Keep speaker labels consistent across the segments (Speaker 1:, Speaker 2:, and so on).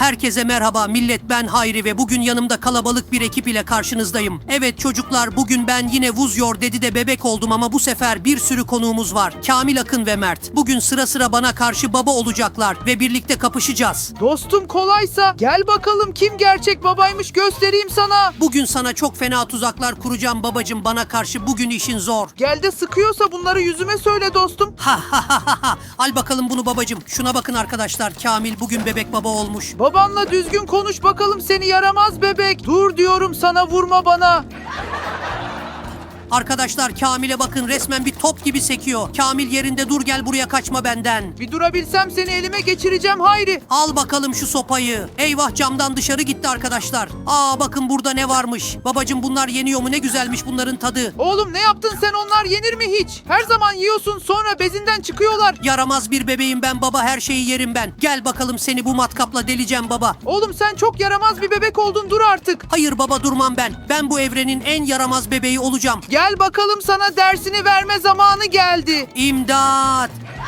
Speaker 1: Herkese merhaba millet, ben Hayri ve bugün yanımda kalabalık bir ekip ile karşınızdayım. Evet çocuklar, bugün ben yine Vuzyor Dedi'de bebek oldum ama bu sefer bir sürü konuğumuz var. Kamil, Akın ve Mert. Bugün sıra sıra bana karşı baba olacaklar ve birlikte kapışacağız.
Speaker 2: Dostum kolaysa gel bakalım kim gerçek babaymış göstereyim sana.
Speaker 1: Bugün sana çok fena tuzaklar kuracağım babacım, bana karşı bugün işin zor.
Speaker 2: Gel de sıkıyorsa bunları yüzüme söyle dostum.
Speaker 1: Ha ha ha ha ha. Al bakalım bunu babacım. Şuna bakın arkadaşlar, Kamil bugün bebek baba olmuş.
Speaker 2: Babanla düzgün konuş bakalım seni yaramaz bebek. Dur diyorum sana, vurma bana.
Speaker 1: Arkadaşlar Kamil'e bakın, resmen bir top gibi sekiyor. Kamil yerinde dur, gel buraya, kaçma benden.
Speaker 2: Bir durabilsem seni elime geçireceğim Hayri.
Speaker 1: Al bakalım şu sopayı. Eyvah, camdan dışarı gitti arkadaşlar. Aa bakın burada ne varmış. Babacım bunlar yeniyor mu? Ne güzelmiş bunların tadı.
Speaker 2: Oğlum ne yaptın sen, onlar yenir mi hiç? Her zaman yiyorsun sonra bezinden çıkıyorlar.
Speaker 1: Yaramaz bir bebeğim ben baba, her şeyi yerim ben. Gel bakalım, seni bu matkapla deleceğim baba.
Speaker 2: Oğlum sen çok yaramaz bir bebek oldun, dur artık.
Speaker 1: Hayır baba, durmam ben. Ben bu evrenin en yaramaz bebeği olacağım.
Speaker 2: Gel bakalım, sana dersini verme zamanı geldi.
Speaker 1: İmdat!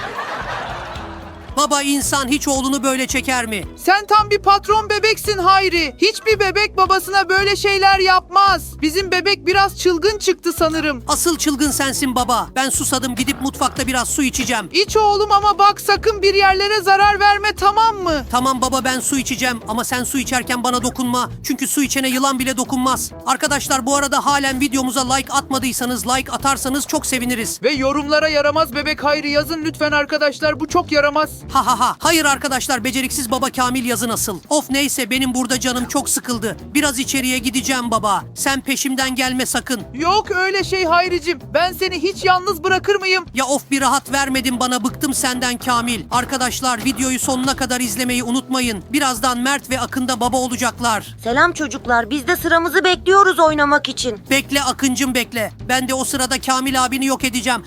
Speaker 1: Baba, insan hiç oğlunu böyle çeker mi?
Speaker 2: Sen tam bir patron bebeksin Hayri. Hiçbir bebek babasına böyle şeyler yapmaz. Bizim bebek biraz çılgın çıktı sanırım.
Speaker 1: Asıl çılgın sensin baba. Ben susadım, gidip mutfakta biraz su içeceğim.
Speaker 2: İç oğlum ama bak sakın bir yerlere zarar verme, tamam mı?
Speaker 1: Tamam baba, ben su içeceğim ama sen su içerken bana dokunma. Çünkü su içene yılan bile dokunmaz. Arkadaşlar bu arada halen videomuza like atmadıysanız like atarsanız çok seviniriz.
Speaker 2: Ve yorumlara yaramaz bebek Hayri yazın lütfen arkadaşlar, bu çok yaramaz.
Speaker 1: Ha ha ha. Hayır arkadaşlar, beceriksiz baba Kamil yazı nasıl? Of neyse, benim burada canım çok sıkıldı. Biraz içeriye gideceğim baba. Sen peşimden gelme sakın.
Speaker 2: Yok öyle şey Hayricim. Ben seni hiç yalnız bırakır mıyım?
Speaker 1: Ya of, bir rahat vermedin bana, bıktım senden Kamil. Arkadaşlar videoyu sonuna kadar izlemeyi unutmayın. Birazdan Mert ve Akın da baba olacaklar.
Speaker 3: Selam çocuklar, biz de sıramızı bekliyoruz oynamak için.
Speaker 1: Bekle Akıncım bekle. Ben de o sırada Kamil abini yok edeceğim.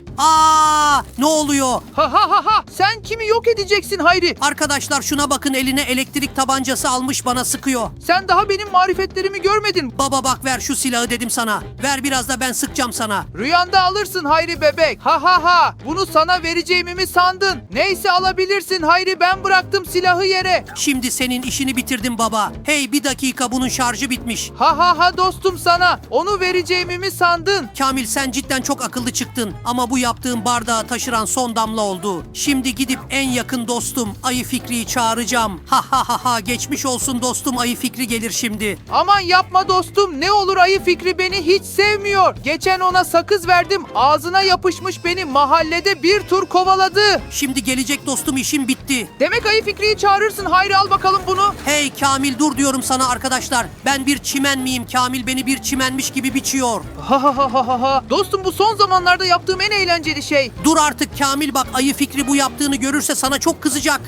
Speaker 1: Aa, ne oluyor?
Speaker 2: Ha ha ha ha. Sen kimi yok edeceksin Hayri?
Speaker 1: Arkadaşlar şuna bakın, eline elektrik tabancası almış, bana sıkıyor.
Speaker 2: Sen daha benim marifetlerimi görmedin.
Speaker 1: Baba bak, ver şu silahı dedim sana. Ver, biraz da ben sıkacağım sana.
Speaker 2: Rüyanda alırsın Hayri bebek. Ha ha ha. Bunu sana vereceğimi mi sandın? Neyse alabilirsin Hayri, ben bıraktım silahı yere.
Speaker 1: Şimdi senin işini bitirdim baba. Hey bir dakika, bunun şarjı bitmiş.
Speaker 2: Ha ha ha dostum sana. Onu vereceğimi mi sandın?
Speaker 1: Kamil sen cidden çok akıllı çıktın. Ama bu yaptığın bardağı taşıran son damla oldu. Şimdi gidip en yakın dostum Ayı Fikri'yi çağıracağım. Ha ha ha ha, geçmiş olsun dostum, Ayı Fikri gelir şimdi.
Speaker 2: Aman yapma dostum. Ne olur Ayı Fikri beni hiç sevmiyor. Geçen ona sakız verdim. Ağzına yapışmış, beni mahallede bir tur kovaladı.
Speaker 1: Şimdi gelecek dostum, işim bitti.
Speaker 2: Demek Ayı Fikri'yi çağırırsın. Hayri al bakalım bunu.
Speaker 1: Hey Kamil, dur diyorum sana arkadaşlar. Ben bir çimen miyim? Kamil beni bir çimenmiş gibi biçiyor.
Speaker 2: Ha ha ha ha ha. Dostum bu son zamanlarda yaptığım en eğlenceli şey.
Speaker 1: Dur artık Kamil, bak Ayı Fikri bu yaptığını görürse sana çok kızacak.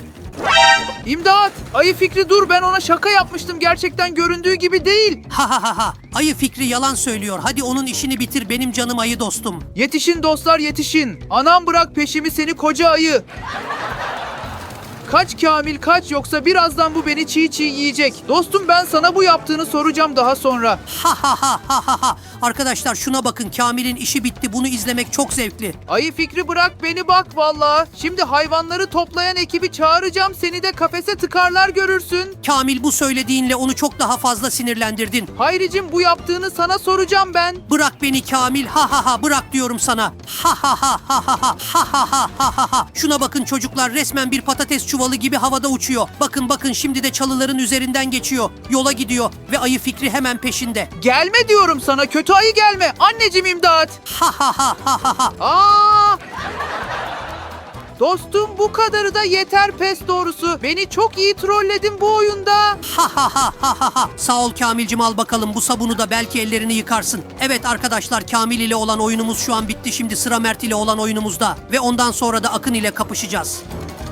Speaker 2: İmdat! Ayı Fikri dur, ben ona şaka yapmıştım. Gerçekten göründüğü gibi değil.
Speaker 1: Ha ha ha ha. Ayı Fikri yalan söylüyor. Hadi onun işini bitir benim canım ayı dostum.
Speaker 2: Yetişin dostlar yetişin. Anam bırak peşimi seni koca ayı. Kaç Kamil kaç, yoksa birazdan bu beni çiğ çiğ yiyecek. Dostum ben sana bu yaptığını soracağım daha sonra.
Speaker 1: Ha ha ha ha ha ha. Arkadaşlar şuna bakın, Kamil'in işi bitti. Bunu izlemek çok zevkli.
Speaker 2: Ayı Fikri bırak beni bak vallahi. Şimdi hayvanları toplayan ekibi çağıracağım. Seni de kafese tıkarlar görürsün.
Speaker 1: Kamil, bu söylediğinle onu çok daha fazla sinirlendirdin.
Speaker 2: Hayricim bu yaptığını sana soracağım ben.
Speaker 1: Bırak beni Kamil. Ha ha ha, bırak diyorum sana. Ha ha ha ha ha ha ha ha ha ha ha. Şuna bakın çocuklar, resmen bir patates çuvalı gibi havada uçuyor. Bakın bakın, şimdi de çalıların üzerinden geçiyor. Yola gidiyor ve Ayı Fikri hemen peşinde.
Speaker 2: Gelme diyorum sana, kötü ayı gelme. Anneciğim imdat.
Speaker 1: Ha ha ha ha ha ha.
Speaker 2: Aa! Dostum bu kadarı da yeter pes doğrusu. Beni çok iyi trolledin bu oyunda.
Speaker 1: Ha ha ha ha ha ha. Sağ ol Kamilcim, al bakalım bu sabunu da, belki ellerini yıkarsın. Evet arkadaşlar, Kamil ile olan oyunumuz şu an bitti. Şimdi sıra Mert ile olan oyunumuzda. Ve ondan sonra da Akın ile kapışacağız.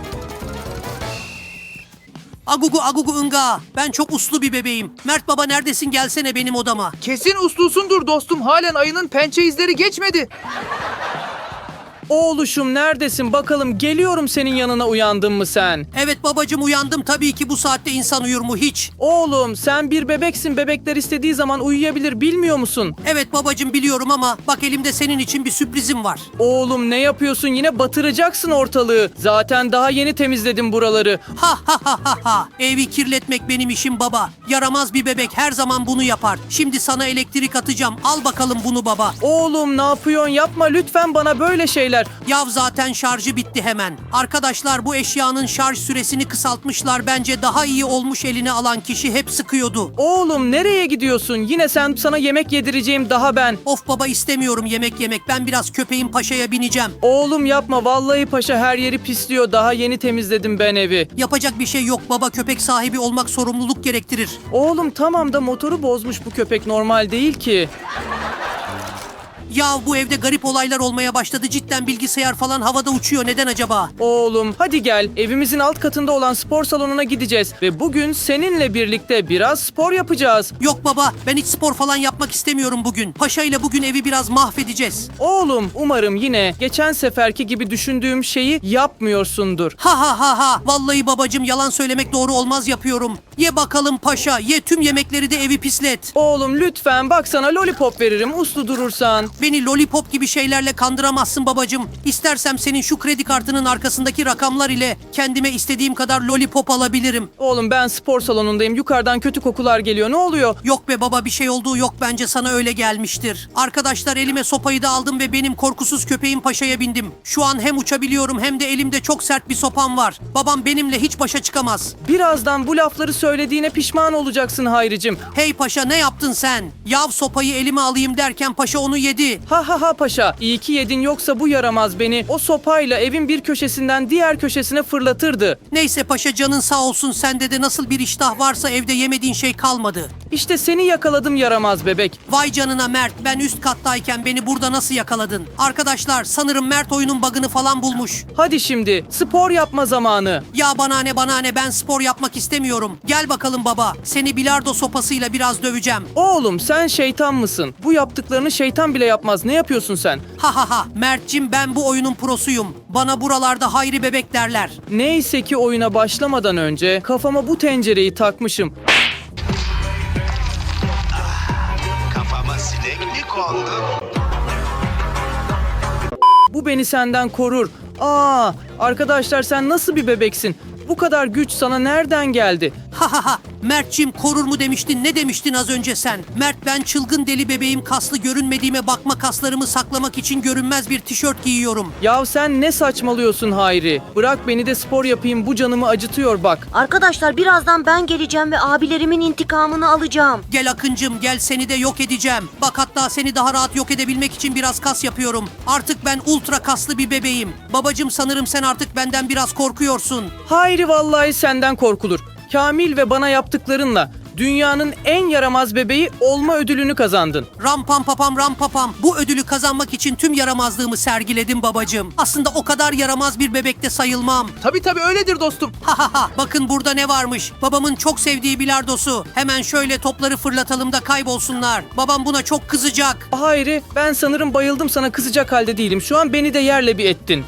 Speaker 1: Agugu agugu ınga. Ben çok uslu bir bebeğim. Mert baba neredesin? Gelsene benim odama.
Speaker 2: Kesin uslusundur dostum. Halen ayının pençe izleri geçmedi.
Speaker 4: Oğluşum neredesin bakalım, geliyorum senin yanına, uyandın mı sen?
Speaker 1: Evet babacım, uyandım tabii ki, bu saatte insan uyur mu hiç?
Speaker 4: Oğlum sen bir bebeksin, bebekler istediği zaman uyuyabilir, bilmiyor musun?
Speaker 1: Evet babacım biliyorum ama bak elimde senin için bir sürprizim var.
Speaker 4: Oğlum ne yapıyorsun, yine batıracaksın ortalığı. Zaten daha yeni temizledim buraları.
Speaker 1: Ha ha ha ha ha. Evi kirletmek benim işim baba. Yaramaz bir bebek her zaman bunu yapar. Şimdi sana elektrik atacağım. Al bakalım bunu baba.
Speaker 4: Oğlum ne yapıyorsun, yapma lütfen bana böyle şeyler.
Speaker 1: Yav zaten şarjı bitti hemen. Arkadaşlar bu eşyanın şarj süresini kısaltmışlar. Bence daha iyi olmuş, eline alan kişi hep sıkıyordu.
Speaker 4: Oğlum nereye gidiyorsun? Yine sana yemek yedireceğim daha ben.
Speaker 1: Of baba, istemiyorum yemek yemek. Ben biraz köpeğin paşaya bineceğim.
Speaker 4: Oğlum yapma, vallahi paşa her yeri pisliyor. Daha yeni temizledim ben evi.
Speaker 1: Yapacak bir şey yok baba. Köpek sahibi olmak sorumluluk gerektirir.
Speaker 4: Oğlum tamam da motoru bozmuş bu köpek, normal değil ki.
Speaker 1: Ya bu evde garip olaylar olmaya başladı. Cidden bilgisayar falan havada uçuyor. Neden acaba?
Speaker 4: Oğlum hadi gel, evimizin alt katında olan spor salonuna gideceğiz ve bugün seninle birlikte biraz spor yapacağız.
Speaker 1: Yok baba, ben hiç spor falan yapmak istemiyorum bugün. Paşa ile bugün evi biraz mahvedeceğiz.
Speaker 4: Oğlum umarım yine geçen seferki gibi düşündüğüm şeyi yapmıyorsundur.
Speaker 1: Ha ha ha ha. Vallahi babacım, yalan söylemek doğru olmaz, yapıyorum. Ye bakalım paşa. Ye tüm yemekleri de evi pislet.
Speaker 4: Oğlum lütfen, bak sana lollipop veririm uslu durursan.
Speaker 1: Beni lollipop gibi şeylerle kandıramazsın babacım. İstersem senin şu kredi kartının arkasındaki rakamlar ile kendime istediğim kadar lollipop alabilirim.
Speaker 4: Oğlum ben spor salonundayım, yukarıdan kötü kokular geliyor, ne oluyor?
Speaker 1: Yok be baba, bir şey olduğu yok, bence sana öyle gelmiştir. Arkadaşlar elime sopayı da aldım ve benim korkusuz köpeğim paşaya bindim. Şu an hem uçabiliyorum hem de elimde çok sert bir sopam var. Babam benimle hiç başa çıkamaz.
Speaker 4: Birazdan bu lafları söylediğine pişman olacaksın Hayricim.
Speaker 1: Hey paşa, ne yaptın sen? Yav sopayı elime alayım derken paşa onu yedi.
Speaker 4: Ha ha ha paşa, iyi ki yedin, yoksa bu yaramaz beni o sopayla evin bir köşesinden diğer köşesine fırlatırdı.
Speaker 1: Neyse paşa, canın sağ olsun, sende de nasıl bir iştah varsa evde yemediğin şey kalmadı.
Speaker 4: İşte seni yakaladım yaramaz bebek.
Speaker 1: Vay canına Mert, ben üst kattayken beni burada nasıl yakaladın? Arkadaşlar sanırım Mert oyunun bug'ını falan bulmuş.
Speaker 4: Hadi şimdi spor yapma zamanı.
Speaker 1: Ya bana ne, ben spor yapmak istemiyorum. Gel bakalım baba, seni bilardo sopasıyla biraz döveceğim.
Speaker 4: Oğlum sen şeytan mısın? Bu yaptıklarını şeytan bile yapmaz. Ne yapıyorsun sen?
Speaker 1: Ha ha ha, Mert'cim ben bu oyunun prosuyum. Bana buralarda Hayri bebek derler.
Speaker 4: Neyse ki oyuna başlamadan önce kafama bu tencereyi takmışım.
Speaker 5: Kafama sinek mi kondu?
Speaker 4: Bu beni senden korur. Aa, arkadaşlar sen nasıl bir bebeksin? Bu kadar güç sana nereden geldi?
Speaker 1: Ha ha ha, Mert'cim korur mu demiştin, ne demiştin az önce sen? Mert, ben çılgın deli bebeğim, kaslı görünmediğime bakma, kaslarımı saklamak için görünmez bir tişört giyiyorum.
Speaker 4: Yahu sen ne saçmalıyorsun Hayri? Bırak beni de spor yapayım, bu canımı acıtıyor bak.
Speaker 3: Arkadaşlar birazdan ben geleceğim ve abilerimin intikamını alacağım.
Speaker 1: Gel Akıncım gel, seni de yok edeceğim. Bak hatta seni daha rahat yok edebilmek için biraz kas yapıyorum. Artık ben ultra kaslı bir bebeğim. Babacım sanırım sen artık benden biraz korkuyorsun.
Speaker 4: Hayri vallahi senden korkulur. Kamil ve bana yaptıklarınla dünyanın en yaramaz bebeği olma ödülünü kazandın.
Speaker 1: Ram pam papam ram papam. Bu ödülü kazanmak için tüm yaramazlığımı sergiledim babacım. Aslında o kadar yaramaz bir bebek de sayılmam.
Speaker 2: Tabii öyledir dostum.
Speaker 1: Ha ha ha, bakın burada ne varmış. Babamın çok sevdiği bilardosu. Hemen şöyle topları fırlatalım da kaybolsunlar. Babam buna çok kızacak.
Speaker 4: Hayri, ben sanırım bayıldım, sana kızacak halde değilim. Şu an beni de yerle bir ettin.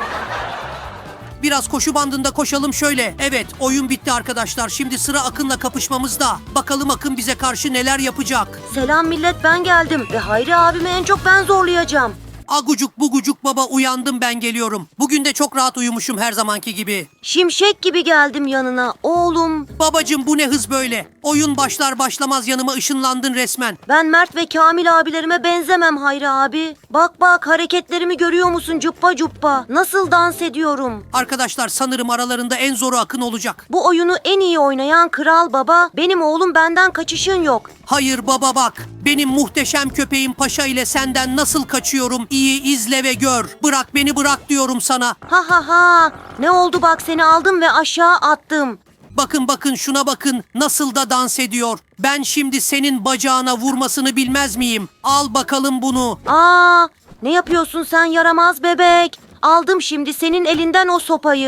Speaker 1: Biraz koşu bandında koşalım şöyle. Evet, oyun bitti arkadaşlar. Şimdi sıra Akın'la kapışmamızda. Bakalım Akın bize karşı neler yapacak.
Speaker 3: Selam millet, ben geldim ve Hayri abimi en çok ben zorlayacağım.
Speaker 1: Agucuk bugucuk baba, uyandım, ben geliyorum. Bugün de çok rahat uyumuşum her zamanki gibi.
Speaker 3: Şimşek gibi geldim yanına oğlum.
Speaker 1: Babacım bu ne hız böyle? Oyun başlar başlamaz yanıma ışınlandın resmen.
Speaker 3: Ben Mert ve Kamil abilerime benzemem Hayri abi. Bak bak, hareketlerimi görüyor musun, cuppa cuppa? Nasıl dans ediyorum?
Speaker 1: Arkadaşlar sanırım aralarında en zoru Akın olacak.
Speaker 3: Bu oyunu en iyi oynayan kral baba. Benim oğlum, benden kaçışın yok.
Speaker 1: Hayır baba bak. Benim muhteşem köpeğim Paşa ile senden nasıl kaçıyorum? İyi izle ve gör. Bırak beni, bırak diyorum sana.
Speaker 3: Ha ha ha. Ne oldu bak, seni aldım ve aşağı attım.
Speaker 1: Bakın bakın şuna bakın. Nasıl da dans ediyor. Ben şimdi senin bacağına vurmasını bilmez miyim? Al bakalım bunu.
Speaker 3: Aa, ne yapıyorsun sen yaramaz bebek? Aldım şimdi senin elinden o sopayı.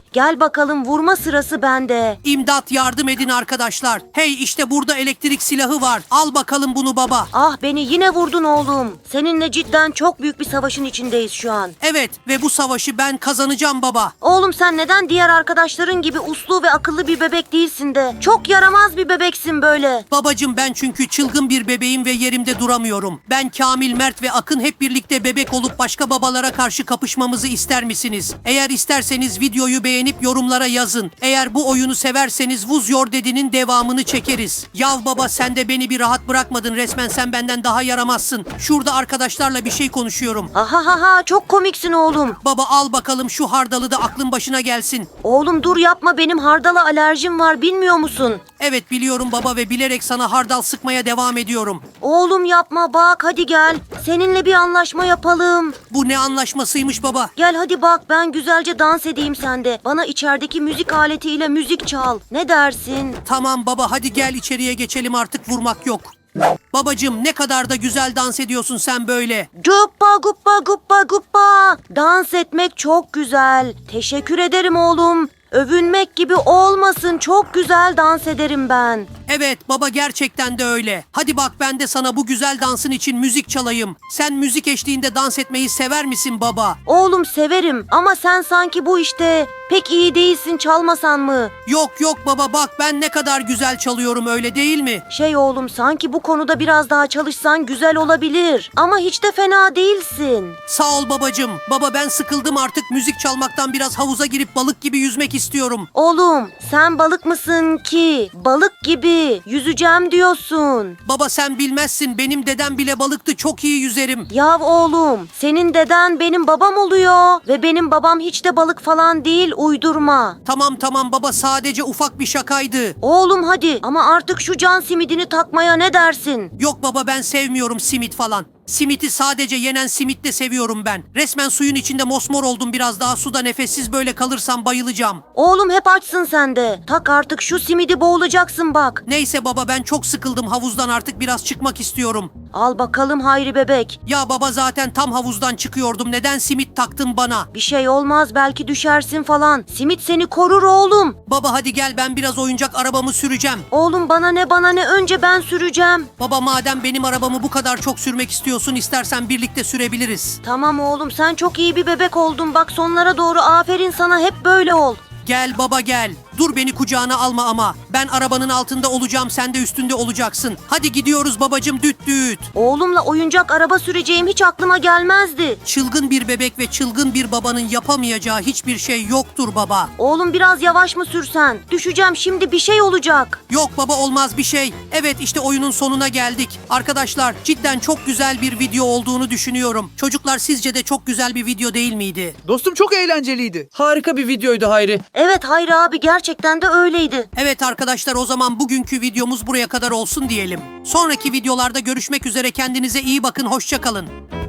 Speaker 3: Gel bakalım, vurma sırası bende.
Speaker 1: İmdat, yardım edin arkadaşlar. Hey, işte burada elektrik silahı var. Al bakalım bunu baba.
Speaker 3: Ah, beni yine vurdun oğlum. Seninle cidden çok büyük bir savaşın içindeyiz şu an.
Speaker 1: Evet ve bu savaşı ben kazanacağım baba.
Speaker 3: Oğlum sen neden diğer arkadaşların gibi uslu ve akıllı bir bebek değilsin de? Çok yaramaz bir bebeksin böyle.
Speaker 1: Babacım, ben çünkü çılgın bir bebeğim ve yerimde duramıyorum. Ben, Kamil, Mert ve Akın hep birlikte bebek olup başka babalara karşı kapışmamızı ister misiniz? Eğer isterseniz videoyu beğenip yorumlara yazın. Eğer bu oyunu severseniz Vuz Yor Dedi'nin devamını çekeriz. Yav baba, sen de beni bir rahat bırakmadın. Resmen sen benden daha yaramazsın. Şurada arkadaşlarla bir şey konuşuyorum.
Speaker 3: Ha ha ha ha, çok komiksin oğlum.
Speaker 1: Baba al bakalım şu hardalı da aklın başına gelsin.
Speaker 3: Oğlum dur yapma, benim hardala alerjim var, bilmiyor musun?
Speaker 1: Evet biliyorum baba ve bilerek sana hardal sıkmaya devam ediyorum.
Speaker 3: Oğlum yapma, bak hadi gel. Seninle bir anlaşma yapalım.
Speaker 1: Bu ne anlaşmasıymış baba?
Speaker 3: Gel hadi bak, ben güzelce dans edeyim sende. Bana içerideki müzik aletiyle müzik çal. Ne dersin?
Speaker 1: Tamam baba, hadi gel içeriye geçelim, artık vurmak yok. Babacım, ne kadar da güzel dans ediyorsun sen böyle.
Speaker 3: Guppa guppa guppa guppa. Dans etmek çok güzel. Teşekkür ederim oğlum. Övünmek gibi olmasın, çok güzel dans ederim ben.
Speaker 1: Evet baba, gerçekten de öyle. Hadi bak, ben de sana bu güzel dansın için müzik çalayım. Sen müzik eşliğinde dans etmeyi sever misin baba?
Speaker 3: Oğlum severim ama sen sanki bu işte pek iyi değilsin, çalmasan mı?
Speaker 1: Yok yok baba, bak ben ne kadar güzel çalıyorum, öyle değil mi?
Speaker 3: Oğlum, sanki bu konuda biraz daha çalışsan güzel olabilir. Ama hiç de fena değilsin.
Speaker 1: Sağ ol babacım. Baba, ben sıkıldım artık müzik çalmaktan, biraz havuza girip balık gibi yüzmek istiyorum.
Speaker 3: Oğlum sen balık mısın ki? Balık gibi yüzeceğim diyorsun.
Speaker 1: Baba sen bilmezsin, benim dedem bile balıktı, çok iyi yüzerim.
Speaker 3: Yav oğlum, senin deden benim babam oluyor. Ve benim babam hiç de balık falan değil, uydurma.
Speaker 1: Tamam baba, sadece ufak bir şakaydı.
Speaker 3: Oğlum hadi, ama artık şu can simidini takmaya ne dersin?
Speaker 1: Yok baba, ben sevmiyorum simit falan. Simiti sadece yenen simitle seviyorum ben. Resmen suyun içinde mosmor oldum, biraz daha suda nefessiz böyle kalırsam bayılacağım.
Speaker 3: Oğlum hep açsın sen de. Tak artık şu simidi, boğulacaksın bak.
Speaker 1: Neyse baba, ben çok sıkıldım havuzdan, artık biraz çıkmak istiyorum.
Speaker 3: Al bakalım Hayri bebek.
Speaker 1: Ya baba, zaten tam havuzdan çıkıyordum, neden simit taktın bana?
Speaker 3: Bir şey olmaz, belki düşersin falan. Simit seni korur oğlum.
Speaker 1: Baba hadi gel, ben biraz oyuncak arabamı süreceğim.
Speaker 3: Oğlum bana ne, önce ben süreceğim.
Speaker 1: Baba, madem benim arabamı bu kadar çok sürmek istiyorsun, istersen birlikte sürebiliriz.
Speaker 3: Tamam oğlum, sen çok iyi bir bebek oldun. Bak sonlara doğru aferin sana, hep böyle ol.
Speaker 1: Gel baba gel. Dur, beni kucağına alma ama. Ben arabanın altında olacağım, sen de üstünde olacaksın. Hadi gidiyoruz babacım, düt düt.
Speaker 3: Oğlumla oyuncak araba süreceğim hiç aklıma gelmezdi.
Speaker 1: Çılgın bir bebek ve çılgın bir babanın yapamayacağı hiçbir şey yoktur baba.
Speaker 3: Oğlum biraz yavaş mı sürsen? Düşeceğim şimdi, bir şey olacak.
Speaker 1: Yok baba, olmaz bir şey. Evet, işte oyunun sonuna geldik. Arkadaşlar, cidden çok güzel bir video olduğunu düşünüyorum. Çocuklar, sizce de çok güzel bir video değil miydi?
Speaker 2: Dostum çok eğlenceliydi.
Speaker 4: Harika bir videoydu Hayri.
Speaker 3: Evet Hayri abi, gerçekten de öyleydi.
Speaker 1: Evet arkadaşlar, o zaman bugünkü videomuz buraya kadar olsun diyelim. Sonraki videolarda görüşmek üzere, kendinize iyi bakın, hoşça kalın.